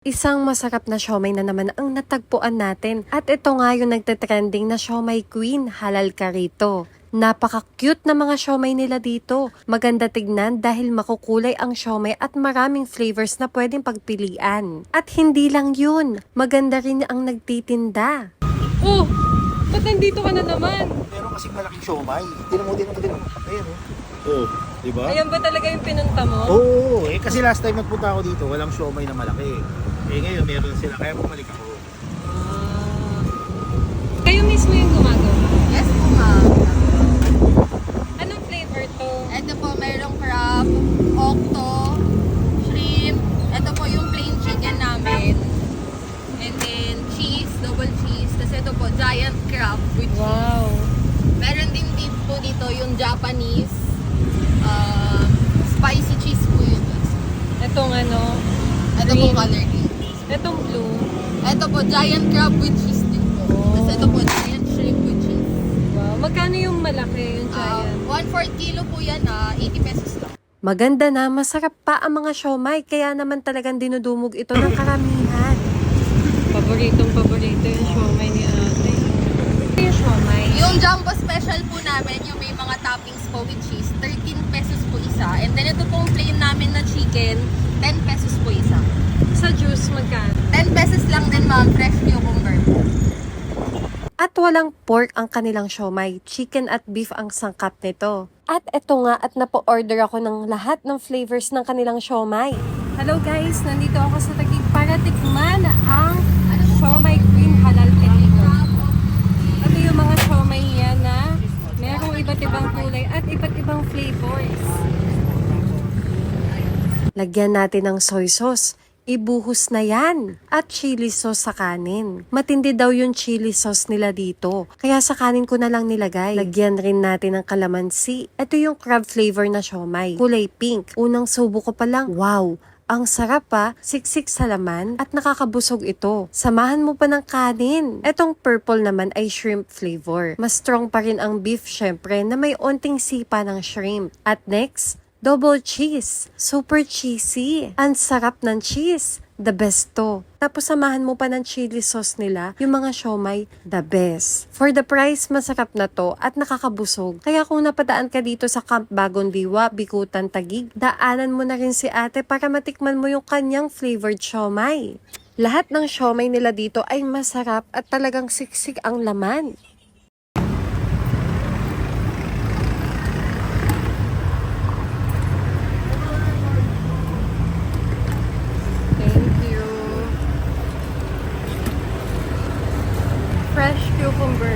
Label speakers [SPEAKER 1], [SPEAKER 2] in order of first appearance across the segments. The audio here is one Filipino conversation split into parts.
[SPEAKER 1] Isang masarap na siomai na naman ang natagpuan natin. At ito nga yung nagte-trending na siomai queen, halal ka rito. Napaka-cute na mga siomai nila dito. Maganda tignan dahil makukulay ang siomai at maraming flavors na pwedeng pagpilian. At hindi lang yun, maganda rin ang nagtitinda.
[SPEAKER 2] Oh! Ba't nandito ka na naman?
[SPEAKER 3] Meron kasing malaking siomai. Tinan mo. Ayan oh. Diba?
[SPEAKER 2] Ayan ba talaga yung pinunta mo?
[SPEAKER 3] Oo, kasi last time nagpunta ako dito, walang siomai na malaki. Ngayon meron sila, kaya bumalik ako.
[SPEAKER 2] Kayo mismo yung gumagawa?
[SPEAKER 4] Yes po, ma'am.
[SPEAKER 2] Anong flavor to?
[SPEAKER 4] Ito po, merong crab, octo, shrimp. Ito po yung plain chicken namin. And then cheese, double cheese. Tapos ito po, giant crab with cheese.
[SPEAKER 2] Wow!
[SPEAKER 4] Meron din po dito yung Japanese. Spicy cheese po yun.
[SPEAKER 2] Itong ano?
[SPEAKER 4] Ito po, color green.
[SPEAKER 2] Itong blue.
[SPEAKER 4] Ito po, giant crab with cheese din po. Tapos ito po, giant shrimp with cheese.
[SPEAKER 2] Wow! Magkano yung malaki, yung giant?
[SPEAKER 4] 1/4 kilo po yan, 80 pesos lang.
[SPEAKER 1] Maganda na, masarap pa ang mga siomai, kaya naman talagang dinudumog ito ng karamihan.
[SPEAKER 2] Paboritong-paborito yung siomai ni ate. Yung siomai?
[SPEAKER 4] Yung jumbo special po namin, yung may mga toppings po with cheese, 13 pesos po isa. And then ito pong plain namin na chicken, 10 pesos po isa.
[SPEAKER 2] Sa juice, magkano?
[SPEAKER 4] 10 pesos lang din, ma'am, fresh cucumber po.
[SPEAKER 1] At walang pork ang kanilang siomai, chicken at beef ang sangkap nito. At eto nga at napo-order ako ng lahat ng flavors ng kanilang siomai. Hello guys, nandito ako sa Taguig para tikman ang siomai queen halal ka dito. Ito yung mga siomai yan na merong iba't ibang kulay at iba't ibang flavors. Lagyan natin ng soy sauce. Ibuhos na yan. At chili sauce sa kanin. Matindi daw yung chili sauce nila dito. Kaya sa kanin ko na lang nilagay. Lagyan rin natin ng kalamansi. Ito yung crab flavor na siomai. Kulay pink. Unang subo ko pa lang. Wow! Ang sarap pa, siksik sa laman at nakakabusog ito. Samahan mo pa ng kanin. Etong purple naman ay shrimp flavor. Mas strong pa rin ang beef syempre na may onting sipa ng shrimp. At next, double cheese. Super cheesy. Ang sarap ng cheese. The best to. Tapos samahan mo pa ng chili sauce nila, yung mga siomai, the best. For the price, masarap na to at nakakabusog. Kaya kung napadaan ka dito sa Camp Bagong Diwa, Bikutan, Taguig, daanan mo na rin si ate para matikman mo yung kanyang flavored siomai. Lahat ng siomai nila dito ay masarap at talagang siksik ang laman. Fresh cucumber.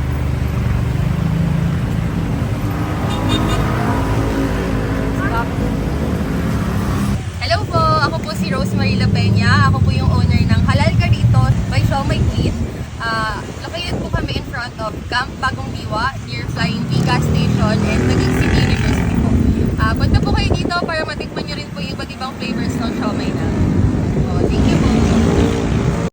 [SPEAKER 4] Hello po, ako po si Rosemary La Peña. Ako po yung owner ng Halal Ka Rito by Siomai Queen. Located po kami in front of Camp Bagong Diwa near Flying V gas station and Taguig City University po. Punta po kayo dito para matikman nyo rin po yung iba't ibang flavors ng siomai na.